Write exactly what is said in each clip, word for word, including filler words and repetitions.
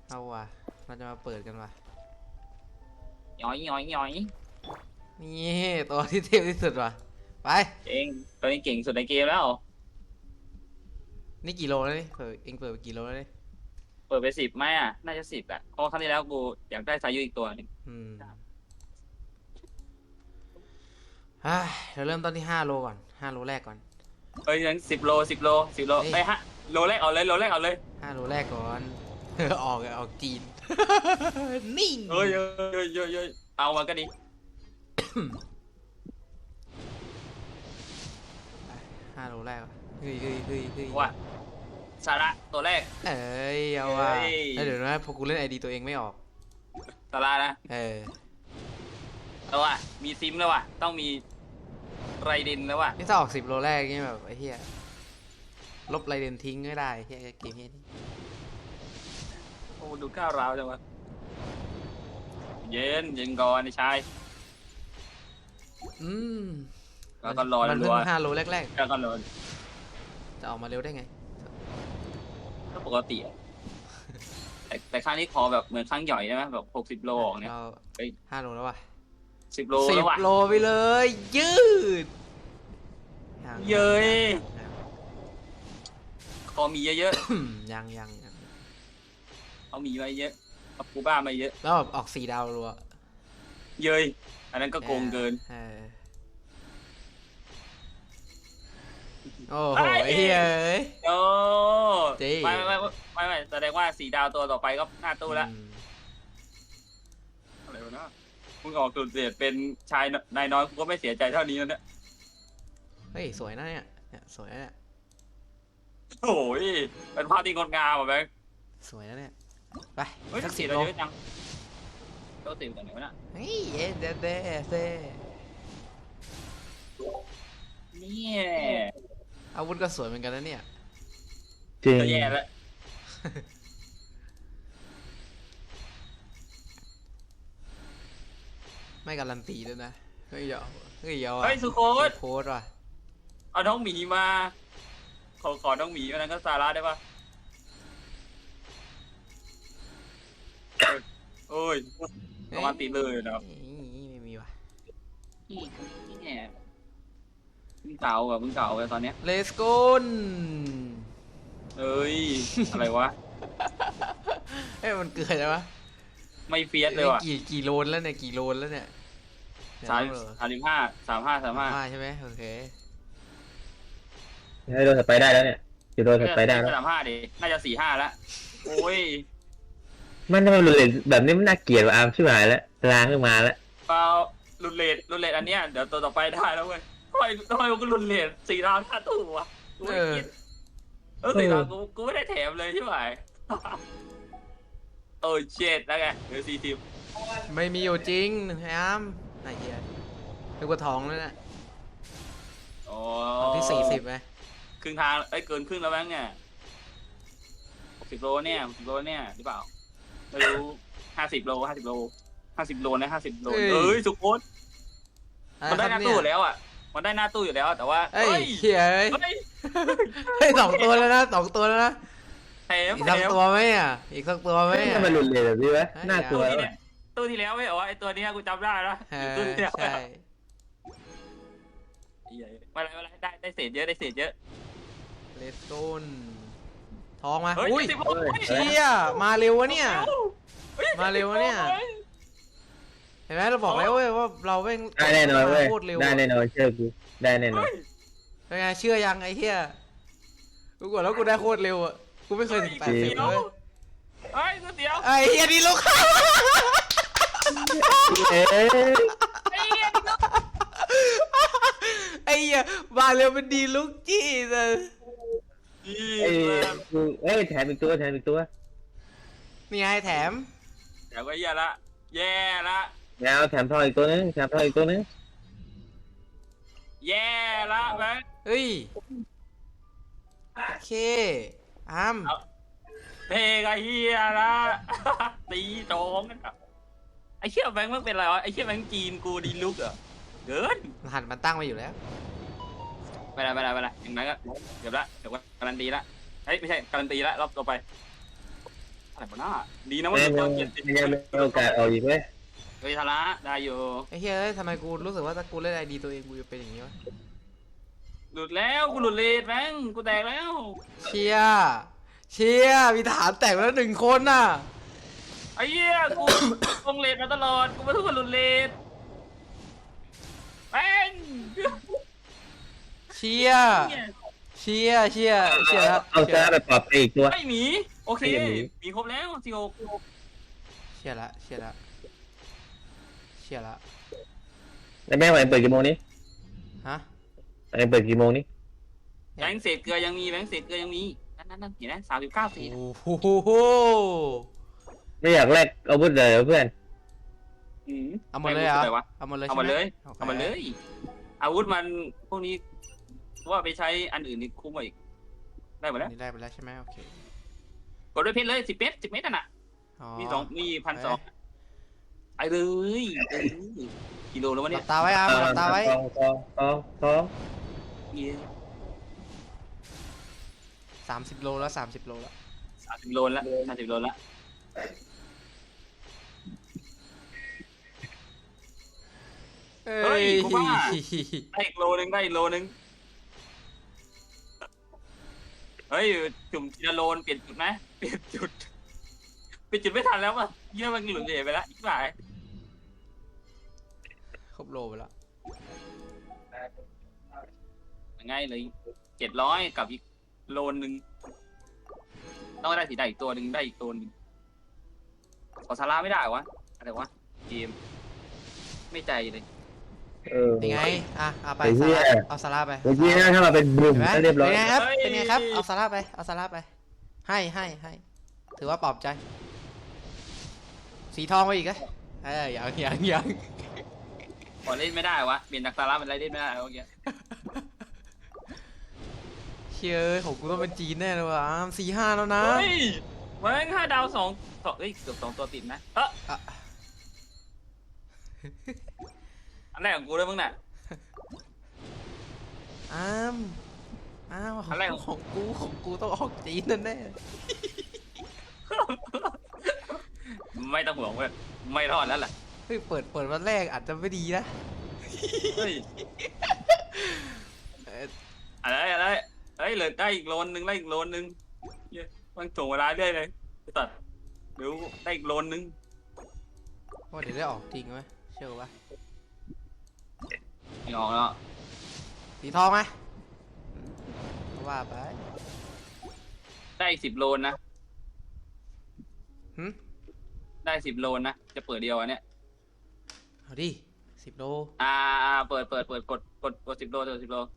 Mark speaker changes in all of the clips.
Speaker 1: เอาว่ะเราจะมาเปิดกันว่ะ
Speaker 2: ย้อยย้อยย้อย
Speaker 1: นี่ตัวที่เทพที่สุดว่ะไป
Speaker 2: เองตอนนี้เก่งสุดในเกมแล้ว
Speaker 1: นี่กี่โลแล้วนี่เปิดเองเปิดไปกี่โลแล้วนี่
Speaker 2: เปิดไปสิบไหมอ่ะน่าจะสิบอ่ะเพราะครั้งที่แล้วกูอยากได้สายุอีกตัวหนึง
Speaker 1: อืมฮ่าเราเริ่มต้นที่ห้าโลก่อนห้าโลแรกก่อน
Speaker 2: เอ้ยยังสิบโลสิบโลสิบโลไอ้ฮะโลแรกเอาเลยโลแรกเอาเลย
Speaker 1: ห้าโลแรกก่อน ออกออกจีน นิ่ง
Speaker 2: เอ้ยเอ้ยเอ้ยเอ้ยเอ้ยเอามาก็ดี
Speaker 1: ห้าโลแรกว่ะเฮ้ยเฮ้ยเฮ้ยเฮ้ย
Speaker 2: ว่าสาระตัวแรก
Speaker 1: เอ้ยเอาว่ะแล้วเดี๋ยวนะพอกูเล่นไอดีตัวเองไม่ออก
Speaker 2: สาระนะ
Speaker 1: เออ
Speaker 2: เอาว่ะมีซิมแล้วว่ะต้องมีไรดินแล้วว่ะ
Speaker 1: นี่ถ้าออกสิบโลแรกนี่แบบไอ้เหี้ยลบไรเดนทิ้งไม่ได้เหี้ยเกมเหี้ยนี่
Speaker 2: โอ้ดูก้าวร้าวจังวะเย็นเย็นก่อนไอ้ชาย
Speaker 1: อืม
Speaker 2: แล้วก็รอ
Speaker 1: มันเพิ่งห้าโลแรก
Speaker 2: แล้วก็รอ
Speaker 1: จะออกมาเร็วได้ไง
Speaker 2: ก็ปกติอ่ะแต่แต่ครั้งนี้ขอแบบเหมือนครั้งใหญ่ใช่ไหมแบบหกสิบโลออกเนี่ย
Speaker 1: ห้าโลแล้วว่ะ
Speaker 2: สิบโล
Speaker 1: สิบ
Speaker 2: แล้วว่ะ
Speaker 1: โลไปเลยยืด
Speaker 2: เย้ยคอมีเยอะ
Speaker 1: ๆยังยังยัง
Speaker 2: เขามีไว้เยอะเอากูบ้ามาเยอะ
Speaker 1: แล้วแบบออกสี่ดาวรัว
Speaker 2: เย้ยอันนั้นก็โกงเกิน
Speaker 1: โอ้โหเฮ้ย
Speaker 2: โอ้ไม่ไม่ไม่ไม่แสดงว่าสี่ดาวตัวต่อไปก็หน้าตู้แล้วอะไรวะเนาะมึงออกสุดเสียดเป็นชายนายน้อยกูก็ไม่เสียใจเท่านี้แล้วเนี่ย
Speaker 1: เฮ้ยสวยนะเนี่ยเนี่ยสวยนะเนี่ย
Speaker 2: โอ้ยเป็นภาพที่งดงามอ่ะแบงค์
Speaker 1: สวยนะเนี่ยไป
Speaker 2: สักสิบโลจังก็ติ่มแต่ไหนวะน่ะ
Speaker 1: เฮ้ยเด้เด้เด้
Speaker 2: นี่
Speaker 1: อาวุธก็สวยเหมือนกันนะเนี่ย
Speaker 2: จริงแย่แล้ว
Speaker 1: ไม่การันตีด้วยนะเฮ้ยเยาเฮ้ยเยา
Speaker 2: เฮ้ยสุโคต
Speaker 1: โคตรว่ะ
Speaker 2: เอาน้องหมีมาขอขอน้องหมีอันนั้นก็ซาร่าได้ปะโอ้ยประมาณตีเลยนะครับ
Speaker 1: ไม่มีว่ะ
Speaker 2: นี่เนี่ยมึงเก่าอ่ะมึงเก่าอ่ะตอนเนี้ย
Speaker 1: เลสโก้น
Speaker 2: เอ้ยอะไรวะ
Speaker 1: เอ้ยมันเกิดอะไรวะ
Speaker 2: ไม่เฟียสเลยว่ะ
Speaker 1: กี่กี่โลนแล้วเนี่ยกี่โลนแล้วเนี่ย
Speaker 2: สามสามสิบห้าสามห้าสามห้า
Speaker 1: ใช่ไหมโอเค
Speaker 3: ให้โดนถัดไปได้แล้วเนี่ยจะโดนถัดไปได้แล้ว
Speaker 2: สามห้าดิน่าจะสี่ห้าแล้วโอ้ย
Speaker 3: มันทำไมรุนแรงแบบนี้มันน่าเกลียดว่ะอาร์มชิบหายแล้วล้างขึ้นมาแล้ว
Speaker 2: เปล่ารุนเลดรุนเลดอันเนี้ยเดี๋ยวตัวต่อไปได้แล้วเว้ยทำไมทำไมมันก็รุนเลดสี่ดาวห้าตู้วะกูไม่คิดเออสี่ดาวกูกูไม่ได้แถมเลยใช่ไหมเออเจ็ดแล้วไงเหลือสี่สิบ
Speaker 1: ไม่มีอยู่จริงไอ้อ้ำไอ้เหี้ยนึกว่าท้องแล้วเนี่ย
Speaker 2: อ๋อ
Speaker 1: ที่สี่สิบไหม
Speaker 2: ครึ่งทางไอ้เกินครึ่งแล้วแบงค์เนี่ยสิบโลเนี่ยสิบโลเนี่ยหรือเปล่าไม่รู้ห้าสิบโลห้าสิบโลห้าสิบโลนะห้าสิบโลเอ้ยสุโคตมันได้หน้าตู้แล้วอ่ะมันได้หน้าตู้อยู่แล้วแต่ว่า
Speaker 1: เฮ้ยเฮ้ยเฮ้ยสองตัวแล้วนะสองตัวแล้วนะอีกสักตัวไหมอ่ะอีกสักตัวไหมอ่ะ
Speaker 3: มันรุนแรงแบบนี้ไหมน่ากลัว
Speaker 2: ตู้ที่แล้วไม่เหรอไอตัวนี้กูจำได้แล้วตู้ที่แล้วใช่มาอะไรมาอะไรได้ได้เศษเยอะได้เศษเยอะ
Speaker 1: เลสโต้นทองมา
Speaker 2: อุ้ย
Speaker 1: เชี่ยมาเร็ววะเนี่ยมาเร็ววะเนี่ยเห็นไหมเราบอกแล้วเว้ยว่าเราเว้ง
Speaker 3: ได้แน่นอนเว้ยได้แน่นอนเชื่อกูได้แน่นอน
Speaker 1: เป็นไงเชื่อยังไอ้เหี้ยกูกดแล้วกูได้โคตรเร็วอ่ะกูไม่เคยถึงแปดสิบเลย
Speaker 2: ไอ้ตัวเดียว
Speaker 1: ไอ้เหี้ยดีลูก
Speaker 3: เอ๊ะ
Speaker 1: ไอ้เหี้ยมาเร็วเป็นดีลูกจี้เลย
Speaker 3: เอ้ยเอ้ยแถมอีกตัวแถมอีกตัว
Speaker 1: นี่ไงแถม
Speaker 2: แถมก็แย่ละแย่ละ
Speaker 3: แถมแถมทองอีกตัวนึงแถมทองอีกตัวนึง
Speaker 2: แย่ละแบงค์
Speaker 1: เฮ้ยโอเคอ้าม
Speaker 2: เพกไอเฮียละตีโจงกันไอเชี่ยแบงค์มันเป็นอะไรวะไอเชี่ยแบงค์จีนกูดีลุกเหรอเกิน
Speaker 1: หันมันตั้งไว้อยู่แล้ว
Speaker 2: ไม่ได้ไม่ได้ไม่ได้อย่างนั้นก็เดี๋ยวละเดี๋ยวว่าการันตีละเฮ้ยไม่ใช่การันตีละรอบต่อไปอะไรบ้าน่าดีนะว่า
Speaker 3: ไม่
Speaker 2: ตัว
Speaker 3: ไม่
Speaker 2: เจ็ดสิบ
Speaker 3: ไม่ยังมีโอกาสออกอีกเว้ย
Speaker 2: เฮ้ยทาระได้อยู่
Speaker 1: ไอ้เหี้ยเอ้ยทำไมกูรู้สึกว่าถ้ากูเล่นไอดีตัวเองกูจะเป็นอย่างนี้วะ
Speaker 2: หลุดแล้วกูหลุดเลดแบงกูแตกแล้ว
Speaker 1: เชียเชียมีฐานแตกไปแล้วหนึ่งคนน่ะ
Speaker 2: ไอ้เหี้ยกูลงเลดมาตลอดกูไม่ทุกคนหลุดเลดแบง
Speaker 1: เชียเชียเชียเชียแล้ว
Speaker 3: เอาชนะไปปรับไปอีกตัว
Speaker 2: ไอ้หมีโอเค
Speaker 3: ไอ้หมี
Speaker 2: มีครบแล้วสิโอ
Speaker 1: เชียละเชียละเชียละ
Speaker 3: แล้วแม่งวันเปิดกี่โมงนี้
Speaker 1: ฮะ
Speaker 3: วันเปิดกี่โมงนี้
Speaker 2: แบงค์เศษเกลือยังมีแบงค์เศษเกลือยังมีนั่นนั่นนั่นเห็นไหมสามสิบเก้าสี
Speaker 1: โอ้โห
Speaker 3: ไม่อยากแลกอาวุธเลยเหรอเพื่อน
Speaker 1: เอาหมดเลยเหรอ
Speaker 2: อะไรวะ
Speaker 1: เอาหมดเลย
Speaker 2: เอา
Speaker 1: ใช่
Speaker 2: มา
Speaker 1: ไหม
Speaker 2: เลย
Speaker 1: โอค
Speaker 2: เอามาเลย อาวุธมันพวกนี้ว่าไปใช้อันอื่นนี่คุ้มกว่าอีกได้หมดแล้ว
Speaker 1: นี่ได้ไปแล้วใช่ไหมโอเค
Speaker 2: กดด้วยเพชรเลยสิบเมตรสิบเมตรน่ะ มีสองมีพันสองไอ้เลยเออกิโลแล้ววะ
Speaker 1: ห
Speaker 2: เนี่
Speaker 1: ลั
Speaker 2: ย
Speaker 1: บตาไว้อามหลับตาไว้
Speaker 3: ทองทองทองทอง
Speaker 2: เย้
Speaker 1: สามสิบโลแล้วสามสิบโลแล้ว
Speaker 2: สามสิบโลละสามสิบโลละ
Speaker 1: เฮ้ย
Speaker 2: ได้อีกโลนึงได้อีกโลนึงเฮ้ยจุ่มทีละโลนเปลี่ยนจุดไหมเปลี่ยนจุดเปลี่ยนจุดไม่ทันแล้วป่ะเยี่ยมันหลุดเหวไปแล้วอีกฝ่าย
Speaker 1: ครบโลไปแล้ว
Speaker 2: ง่ายเลยเจ็ดร้อยกับอีกโลนหนึ่งต้องได้สีได้อีกตัวหนึ่งได้อีกตัวหนึ่งขอซาร่าไม่ได้วะอะไรวะเกมไม่ใจเลย
Speaker 3: เออ
Speaker 1: ยังไงอ่ะเอาไป
Speaker 3: ไอ้เหี้
Speaker 1: ซาย ร่าเอาซาร่าไป
Speaker 3: เมื่อกี้นะถ้าเราเป็นบุ่ม
Speaker 1: เห็นไหม
Speaker 3: ก็เรียบร้อย
Speaker 1: เป็นไงครับเป็นไงครับเอาซาร่าไปเอาซาร่าไปให้ให้ให้ถือว่าปลอบใจ สีทองไปอีกอะเอ้ยยังยังยัง
Speaker 2: พอเล่นไม่ได้วะเปลี่ยนจากซาร่าเป็นอะไรเล่นไม่ได้เมื่อกี้
Speaker 1: เชื่อของกูต้องเป็นจีนแน่เลยว่ะสี่ห้าแล้วนะ
Speaker 2: เฮ้ยแม่งห้าดาวสองสองเอ้ยเกือบสองตัวติดนะเออ
Speaker 1: อ่ะ
Speaker 2: อันแรกของกูด้วยมึงน่ะ
Speaker 1: อ้ามอ้าวข
Speaker 2: อะไร
Speaker 1: อง
Speaker 2: ของ
Speaker 1: ของกูของกูต้องออกจีนแน่แน่
Speaker 2: ไม่ต้องห่วงเว้ยไม่รอดแล้วแหละ
Speaker 1: เฮ้ยเปิดเปิดวันแรกอาจจะไม่ดีนะ
Speaker 2: เฮ้ย
Speaker 1: เอ่อ
Speaker 2: อะไรอะไรเฮ้ยเหลือได้อีกโลนหนึ่งได้อีกโลนหนึ่งเย้มันถ่วงเวลาเรื่อยเลยไอ้ตัดเดี๋ยวได้อีกโลนหนึ่ง
Speaker 1: ว่าเดี๋ยวได้ออกจริงไหมเชื่อปะ
Speaker 2: ไม่ออกแล้ว
Speaker 1: สีทองไหมว่าไป
Speaker 2: ได้อีกสิบโลนนะ
Speaker 1: หึ
Speaker 2: ได้สิบโลนนะจะเปิดเดียวอันเนี้ย
Speaker 1: เอาดิสิบโล
Speaker 2: อ่าเปิดเปิดเปิดกดกดกดสิบโลกดสิบโล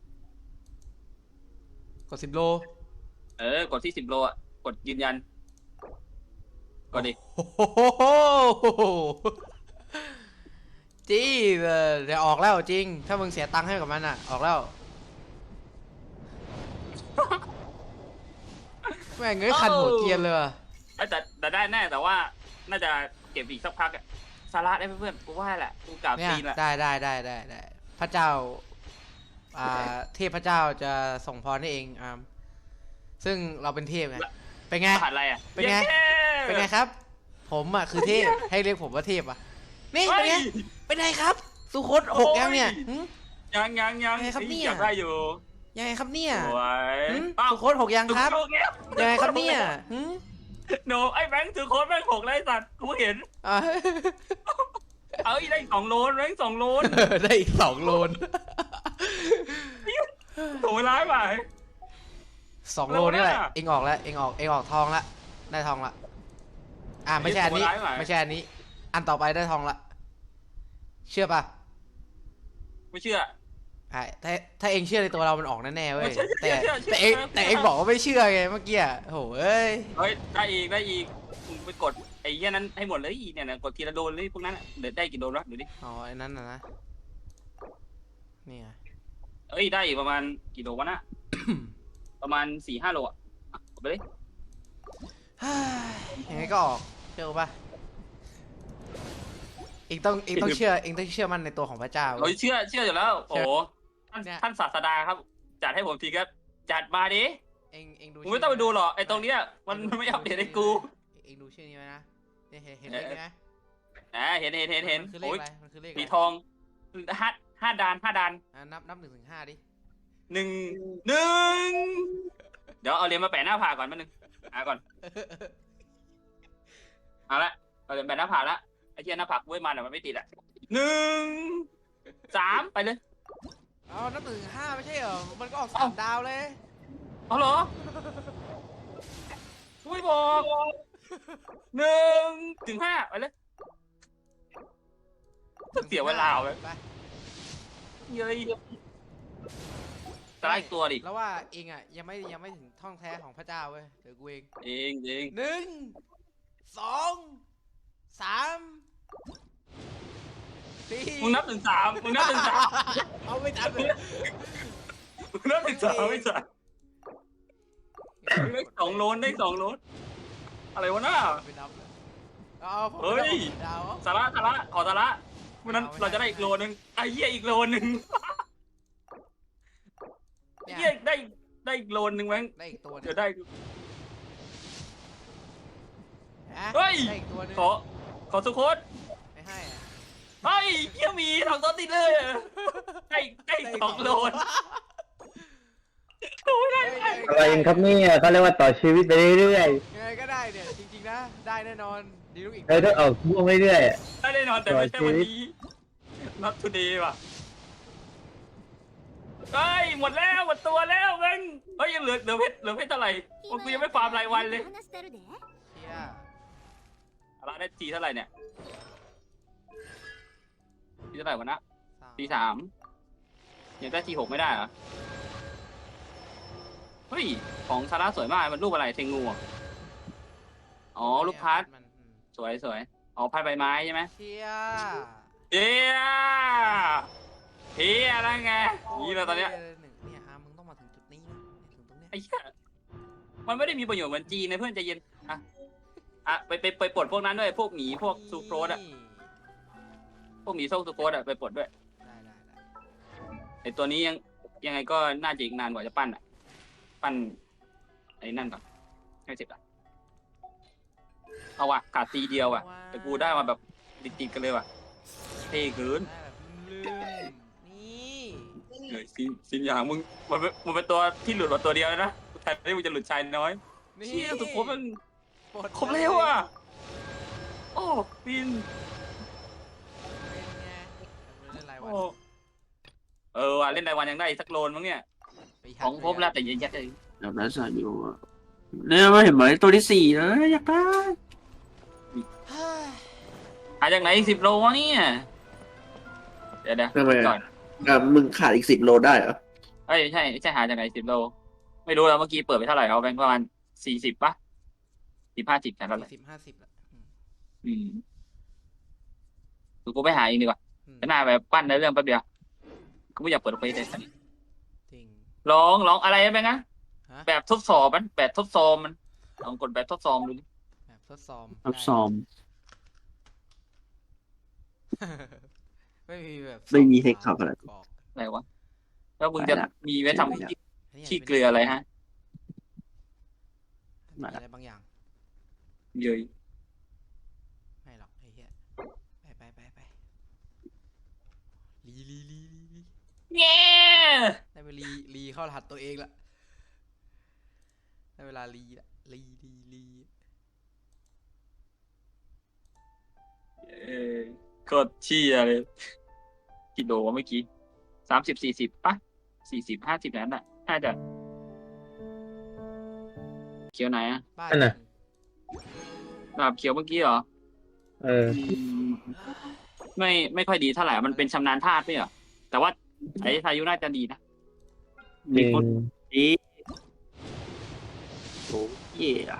Speaker 1: กดสิบโล
Speaker 2: เออกดที่สิบโลอ่ะกดยืนยันกดดิ
Speaker 1: โอ้โหจี้เลยเดี๋ยวออกแล้วจริง ถ้ามึงเสียตังค์ให้กับมันอ่ะ ออกแล้ว แม่งเอ้ยคันหัวเกรียนเลยว่ะ
Speaker 2: เอ้ยแต่แต่ได้แน่แต่ว่าน่าจะเก็บอีกสักพักอะสาระได้เพื่อนๆกูว่าแหละกูกราบ
Speaker 1: เนี่ย
Speaker 2: ตีนแหละ
Speaker 1: ได้ได้ได้ได้ได้พระเจ้า อ่า เทพเจ้าจะส่งพรให้เองอ่าซึ่งเราเป็นเทพไง เป็นไง
Speaker 2: รหัสอะไรอ่ะ
Speaker 1: เป็นไง
Speaker 2: ย้
Speaker 1: เป็นไงครับ ผมอ่ะคือเทพ ให้เรียกผมว่าเทพอ่ะ นี่
Speaker 2: เฮ้
Speaker 1: เป็นไง
Speaker 2: ย
Speaker 1: เป็นไงครับ สุคตหกยังเนี่ยหึ
Speaker 2: ยังยังยัง
Speaker 1: ไงครับเนี่ย
Speaker 2: อยากได้อยู่
Speaker 1: ยังไงครับเนี่ย
Speaker 2: สวย
Speaker 1: หึ
Speaker 2: อ้าว
Speaker 1: สุคตหกยังครับ
Speaker 2: สุโขทัย
Speaker 1: ยังไงครับเนี่ยหึ
Speaker 2: โนไอ้แบงค์ถือโค้ดแบงค์หกไรสัตว์กูเห็น
Speaker 1: อ่ะ
Speaker 2: เอาอีกได้อีกสองโลนแบงค์สองโลน
Speaker 1: ได้อีกสองโลน
Speaker 2: ถูกเวลาไป
Speaker 1: สองโลนี่แหละ
Speaker 2: แล้วเนี่ย
Speaker 1: เองออกแล้ว เองออก เองออกทองละ ได้ทองละ อ่าไม่ใช่อันนี้
Speaker 2: ถูกเวลาไหม
Speaker 1: ไม่ใช่อันนี้ อันต่อไปได้ทองละ เชื่อป่ะ
Speaker 2: ไม่เชื่อ
Speaker 1: ใช่ถ้าถ้าเองเชื่อในตัวเรามันออกแน่ๆเว้ย
Speaker 2: เชื่อเชื่
Speaker 1: แต่
Speaker 2: อเชื่อเชื่อ
Speaker 1: แต่เอง
Speaker 2: เชื่อ
Speaker 1: แต่เองบอกว่าไม่เชื่อไงเมื่อกี้อะโหเอ้ย
Speaker 2: เฮ้ยได้อีกได้อีกมึงไปกดไอ้เหี้ยนั้นให้หมดเลยเนี่ยนะกดทีละโดนเลยพวกนั้นอะเดี๋ยวได้กี่โดนวะดูดิ
Speaker 1: อ๋อไอ้นั่นน่ะนะ นี่ไง
Speaker 2: เอ้ยได้อีกประมาณกี่โลวะนะ ประมาณสี่ห้าโลอ่ะอ่ะกดไปเลย
Speaker 1: ยังไงก็ออก เชื่อป่ะ เองต้องเองต้องเชื่อ เองต้องเชื่อมั่นในตัวของพระเจ้า
Speaker 2: เราเชื่อเชื่ออยู่แล้วโอ้โหท่าน
Speaker 1: เนี่ย
Speaker 2: ท่านศาสดาครับ จัดให้ผมทีครับจัดมาดิ
Speaker 1: เองเองดู
Speaker 2: มึงไม่ต้องไปดูหรอกไอ้ตรงเนี้ยมันมันไม่อัปเดตให้กู
Speaker 1: เองดูชื่อนี้ไว้นะเนี่ยเห็นเห็นเลขไหม
Speaker 2: อ่าเห็นเห็นเห็นเห็น
Speaker 1: มันคือเลข
Speaker 2: โอ้ย
Speaker 1: อะไรมันคือเลขอะ
Speaker 2: สี
Speaker 1: ไร
Speaker 2: ทองห้าห้าดานห้าดาน
Speaker 1: อ่ะนับนับหนึ่งถึงห้าดิ
Speaker 2: หนึ่งหนึ่งเดี๋ยวเอาเหรียญมาแปะหน้าผากก่อนแป๊บนึงอ่าก่อนเอาละเอาเหรียญแปะหน้าผากละไอ้เหี้ยหน้าผากเว้ยมันอ่ะมันไม่ติดอ่ะหนึ่งสามไปเลย
Speaker 1: เอานับหนึ่งถึงห้าไม่ใช่เหรอมันก็ออกสามดาวเลย
Speaker 2: เอาเหรอช่วยบอกหนึ่งถึงห้าไปเลยเสียเวลาเลย
Speaker 1: ไป
Speaker 2: เย้ยตายอีกตัวดิ
Speaker 1: แล้วว่าเองอ่ะยังไม่ยังไม่ถึงท่องแท้ของพระเจ้าเว้ยเดี๋ยวกูเอง
Speaker 2: เองเอง
Speaker 1: หนึ่งสองสามสี่
Speaker 2: มึงนับถึงสามมึงนับถึงสาม
Speaker 1: เอาไม่ทันเลย
Speaker 2: มึงนับถึงสามไม่ใช่มึงได้สองโลนได้สองโลนอะไรวะน้า
Speaker 1: ไม่นับเลยเอาผม
Speaker 2: เฮ้ย
Speaker 1: ดาว
Speaker 2: สาระสาระขอสาระวันนั้น
Speaker 1: เอาไม่ได้
Speaker 2: เราจะได้อีกโลนึงไอ้เหี้ยอีกโลนึง
Speaker 1: เนี่
Speaker 2: เหี้ย
Speaker 1: ย
Speaker 2: ได้ได้อีกโลนึงแม่ง
Speaker 1: ได้อีกตัวหนึ
Speaker 2: เดี๋ย
Speaker 1: ง
Speaker 2: วได้
Speaker 1: ฮะ
Speaker 2: เฮ้ย
Speaker 1: ได้อีกตัวหนึง
Speaker 2: ขอขอสุโคต
Speaker 1: ไม่ให้อะ
Speaker 2: เฮ้ยเหี้ยมีสองตัวติดเลยได้ได้สองโลนโอ้ยได้
Speaker 1: เฮ้ย
Speaker 2: ได้
Speaker 3: อะไรกันครับเนี่ยเขาเรียกว่าต่อชีวิตไปเรื่อย
Speaker 1: ยังไงก็ได้เนี่ยจริงๆนะได้แน่นอนดีลูกอีก
Speaker 3: ๆเราต้องออกม่วงเรื่อยๆอะ
Speaker 2: ได้แน่นอนแต่ไม่ใช่วันนี้ not today ว่ะเฮ้ยหมดแล้วหมดตัวแล้วเว้งเฮ้ยยังเหลือเหลือเพชรเหลือเพชรเท่าไหร่กูยังไม่ฟาร์มรายวันเลย
Speaker 1: เชี่ย
Speaker 2: อะไรได้ทีเท่าไหร่เนี่ยทีเท่าไหร่วะนะ
Speaker 1: สาม
Speaker 2: ทีสามยังได้ทีหกไม่ได้เหรอเฮ้ยของซาร่าสวยมากมันรูปอะไรเทงูเหรออ๋อลูกพัด
Speaker 1: มันอืม
Speaker 2: สวยสวยอ๋อพัดใบไม้ใช่ไหม
Speaker 1: เชี่ย
Speaker 2: เฮียเฮียอะไรไงนี่เราตอนเนี้ย
Speaker 1: โคตรท่ลหนึ่งเนี่ยอาร์มมึงต้องมาถึงจุดนี้นะเนี่ยถึงตรงเนี้ย
Speaker 2: ไอ้เหี้ยมันไม่ได้มีประโยชน์เหมือนจีนนะเพื่อนใจเย็นอ่ะอ่ะไปไปไปปลดพวกนั้นด้วยพวกหมีพวกซูโครสอ่ะ
Speaker 1: นี่
Speaker 2: พวกหมีส้มซูโครสอ่ะไปปลดด้วย
Speaker 1: ได้ได้ได้
Speaker 2: ไอ้ตัวนี้ยังยังไงก็น่าจะอีกนานกว่าจะปั้นอ่ะ ปั้นไอ้นั่นก่อนให้เสร็จอ่ะเอาว่ะขาดตีเดียวอ่ะแต่กูได้มาแบบติดๆกันเลยว่ะเท่เกิน
Speaker 1: ได้แบบลืมนี่
Speaker 2: เฮ้ยสินสินอย่างมึงมันเป็นมันเป็นตัวที่หลุดมาตัวเดียวแล้วนะแทนที่มึงจะหลุดชายน้อย
Speaker 1: นี่
Speaker 2: เชี่ยสุโครสมัน
Speaker 1: ปลด
Speaker 2: ครบเร็วอ่ะโอ้ปิน
Speaker 1: เป็นไงเล่นรายวัน
Speaker 2: โอ้เออว่ะเล่นรายวันยังได้อีกสักโลนมั้งเนี่ย
Speaker 1: ไปหัด
Speaker 2: ของครบแล้วแต่ยังยัดเลย
Speaker 4: แบบนั้นสายอยู่อะเนี่ยมาเห็นไหมตัวที่สี่แล้วอยากได้
Speaker 1: เฮ้ย
Speaker 2: หาจากไหนอีกสิบโลวะเนี่ยเดี๋ยวเดี๋ยว
Speaker 4: ทำไม
Speaker 2: ก่อ
Speaker 4: อะ
Speaker 2: น
Speaker 4: อ่ะมึงขาดอีกสิบโลได้เหรอ
Speaker 2: เอ้ยใช่ใช่หาจากไหนสิบโลไม่รู้แล้วเมื่อกี้เปิดไปเท่าไหร่เอาแบงค์ประมาณสี่สิบป่ะสิบห้าสิบกันแล้วแหละ
Speaker 1: สี่สิบห้าสิบละอืม
Speaker 2: อืมกูกูไปหาเองดีกว่า
Speaker 1: อืม
Speaker 2: ก็น่าแบบปั้นในเรื่องแป๊บเดียวกูไม่อยากเปิดไปเลย
Speaker 1: จริง
Speaker 2: ร้องร้องอะไรไปนะ
Speaker 1: ฮะ
Speaker 2: แบบทดสอบมันแบบทดสอบมันลองกดแบบทดสอบดูดิ
Speaker 1: แบบทดสอบ
Speaker 4: ทับซอม
Speaker 1: ไม่มีแบบ
Speaker 4: ไม่มีเทคนิคอะไร
Speaker 1: บอก
Speaker 2: อะไรวะแล้วมึงจะ
Speaker 4: ไปละ
Speaker 2: มีไว้ทำขี้
Speaker 1: อันนี้
Speaker 2: ขี้เกลืออะไรฮะ
Speaker 1: มีอะไรบางอย่าง
Speaker 2: เย้ย
Speaker 1: ไม่หรอกไอ้เหี้ยไปไปไปไปลีลีลีลีลี
Speaker 2: เย้
Speaker 1: ได้เวลาลีลีเข้ารหัสตัวเองละได้เวลาลีละลีลีลี
Speaker 2: เออโคตรเชี่ยเลยกี่โลวะเมื่อกี้สามสิบสี่สิบป่ะสี่สิบห้าสิบนั้นน่ะน่าจะเขียวไหนอะ
Speaker 1: บ้า
Speaker 3: นั่นน่ะ
Speaker 2: ดาบเขียวเมื่อกี้เหรอ
Speaker 3: เออ
Speaker 2: ไม่ไม่ค่อยดีเท่าไหร่มันเป็นชำนาญธาตุไม่เหรอแต่ว่าไอ้ทายุน่าจะดีนะ
Speaker 3: จริง
Speaker 4: ดีโอ้เย่อะ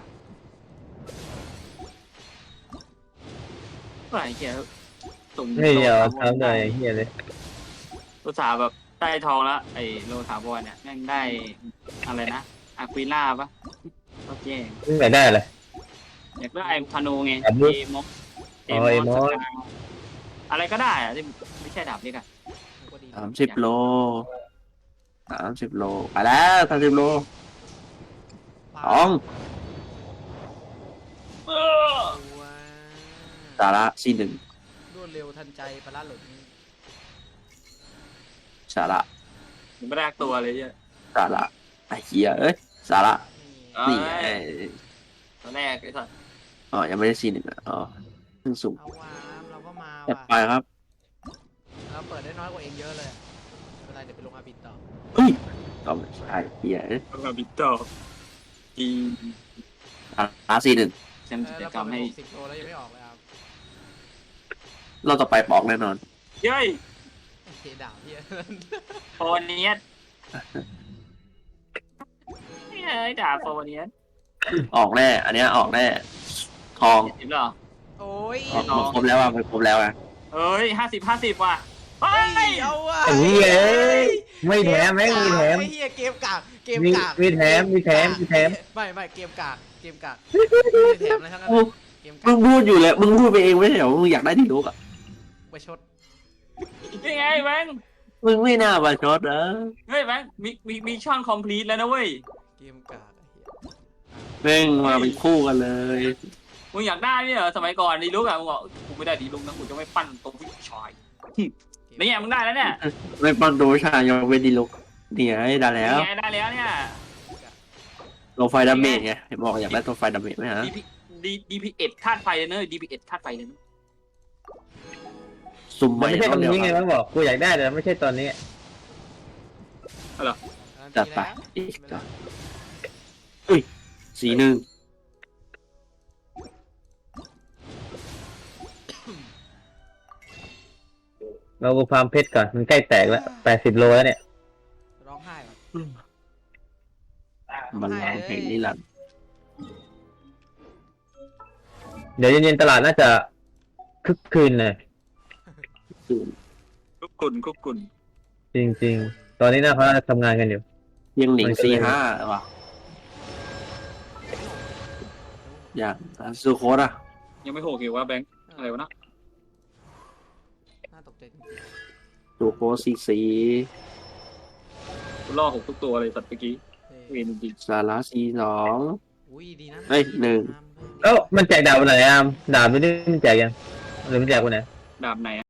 Speaker 2: ว่าไอ้เหี้ยส่ง
Speaker 3: ไม่เดียว
Speaker 2: โลถาวร
Speaker 3: ทำได้ไอ้เฮียเลย
Speaker 2: อุตส่าห์แบบได้ทองแล้วไอ้โลถาวรเนี่ยแม่งได้อะไรนะอาควิล่าปะก็แย่
Speaker 3: มึงไหนได้เลย
Speaker 2: อยากได้ธนูไง
Speaker 3: ดาบมื
Speaker 2: เอ
Speaker 3: ด
Speaker 2: มอก
Speaker 3: อ๋อเอมอส
Speaker 2: สกาอะไรก็ได้อะที่ไม่ใช่ดาบเล็กอะ
Speaker 1: ก็ดี
Speaker 4: สามสิบโลสามสิบโลไปแล้วสามสิบโล
Speaker 1: ปา
Speaker 4: สอง
Speaker 2: เอเออ
Speaker 1: ว้า
Speaker 4: สาระซีหนึ่ง
Speaker 1: รวดเร็วทันใจปลาร้าหล่น
Speaker 4: สาระ
Speaker 2: ยังไม่ได้ตัวเลยเนี่ย
Speaker 4: สาระไอ้เหี้ยเอ้ยสาระ
Speaker 1: นี่
Speaker 4: นี่ไง
Speaker 2: ตอนแรกไอ้สัส
Speaker 4: อ๋อยังไม่ได้ซีหนึ่งอ่ะอ๋อเพิ่งสุ่ม
Speaker 1: เอาวามเราก็มา
Speaker 4: จัด
Speaker 1: ว่ะ
Speaker 4: ไปครับ
Speaker 1: เราเปิดได้น้อยกว่าเองเยอะเลยอะไม่เป็นไรเดี๋ยวไปลงอาบินต่อ
Speaker 4: เฮ้ยเอาไม่ใช่เหี้ยเอ้ย
Speaker 2: ต้องมาบิดต่อที
Speaker 4: สาระซีหนึ่ง
Speaker 2: เช่น
Speaker 1: เอ
Speaker 2: กิ
Speaker 1: อ
Speaker 2: จ
Speaker 1: เรา
Speaker 2: กร
Speaker 1: เปิ
Speaker 2: ร
Speaker 1: ด
Speaker 2: ม
Speaker 1: ไป
Speaker 2: ให้
Speaker 1: หกสิบโลแล้วยังไม่ออกเลยครับ
Speaker 4: เราต่อไปปอกแน่นอน
Speaker 2: เย้ย
Speaker 1: ไอ้เคด่าพี่
Speaker 2: โฟเนียสเฮ้ยด่าโฟเนียส
Speaker 4: ออกแน่ อันเนี้ยออกแน่ทอง
Speaker 2: เห็นเหรอ
Speaker 1: โอ้ย
Speaker 4: ออกมาครบแล้วอ่ะมันครบแล้วอ่ะ
Speaker 2: เอ้ยห้าสิบห้าสิบว่ะเฮ้
Speaker 1: เฮ้
Speaker 2: ย
Speaker 1: ยเอาว่ะ
Speaker 3: ไอ้เหี้ยเอ้ยไม่แถมแม่งมีแถม
Speaker 1: ไอ้เหี้ยเกมกากเกม
Speaker 3: มี
Speaker 1: กาก
Speaker 3: มีแถมมีแถมมีแถม
Speaker 1: ไม่ไม่เกมกากเกมกากไม่มีแถมอะไรทั้งนั้น
Speaker 4: มึง
Speaker 1: เกม
Speaker 4: มึ
Speaker 1: กาง ก
Speaker 4: พูดอยู่เลยมึงพูดไปเองไม่ใช่เหรอมึงอยากได้ที่ลูกอ่ะ
Speaker 1: ไปชด
Speaker 2: นี่ไงแบงค์
Speaker 4: มึงไม่น่ามาชดนะ
Speaker 2: เฮ้ยแบงค์มีมีมีช่องคอมพลีทแล้วนะเว้ย
Speaker 1: เกมกากไอ้เหี้ย
Speaker 4: แม่งมาเป็นคู่กันเลย
Speaker 2: มึงอยากได้ไหมเหรอสมัยก่อนดีลุกอะมึงบอกกูไม่ได้ดีลุกนะกูจะไม่ปั้นตัวผู้ชายนี่ไงมึงได้แล้วเนี่ย
Speaker 4: ไม่ปั้นตัวชายยกเว้นดีลูกเนี่ยได้แล้ว
Speaker 2: นี่ไงได้แล้วเนี่ย
Speaker 4: ตัวไฟดาเมจไงเห็นบอกอยากได้ตัวไฟดาเมจไหมฮะ
Speaker 2: ดีพีดีดีพีเอ็ดธาตุไฟเลยเนอะดีพีเอ็ดธาตุไฟเลยเนอะ
Speaker 4: สุ่มให
Speaker 3: มัน
Speaker 4: ม่
Speaker 3: ไม่ใช่ต
Speaker 4: ต้
Speaker 3: อน
Speaker 4: เดียว
Speaker 3: นี้ไง
Speaker 4: ครับ
Speaker 3: มันบอกกูอยากได้แต่ไม่ใช่ตอนนี้
Speaker 4: จัดไปอีกต่ออุ้ยสีหนึ่ง
Speaker 3: เรากูฟาร์มเพชรก่อนมันใกล้แตกแล้วแปดสิบโลแล้วเนี่ย
Speaker 1: ร้องไห้ว่ะ
Speaker 4: มันลางเพลงนิรันดร์
Speaker 3: เดี๋ยวเย็นๆตลาดน่าจะคึกคืนเลย
Speaker 4: คือ
Speaker 2: กุกกุนกุกกุน
Speaker 3: จริงๆ ตอนนี้น่าเขาน่าจะทำงานกันอยู่
Speaker 4: ยังหลิง
Speaker 3: มันก็เลย
Speaker 4: สี่ห้าว่ะอย่างซูโคสอ่ะ
Speaker 2: ยังไม่โหกอยู่ว่าแบงค์อะไรวะนะ
Speaker 1: น่าตกใจจริง
Speaker 4: ซูโคสซีซี
Speaker 2: กูล่อหกทุกตัวเลยสัตว์เมื่อกี้
Speaker 1: ๆ
Speaker 2: เวรจริง
Speaker 4: สาระซีสอง
Speaker 1: อุ้ยดีนะ
Speaker 4: เอ้ยหนึ่ง
Speaker 3: เอ้ามันแจกดาบวันไหนอามดาบไม่ได้มันแจกยังหรือมันแจกวันไหน
Speaker 2: ๆดาบไหน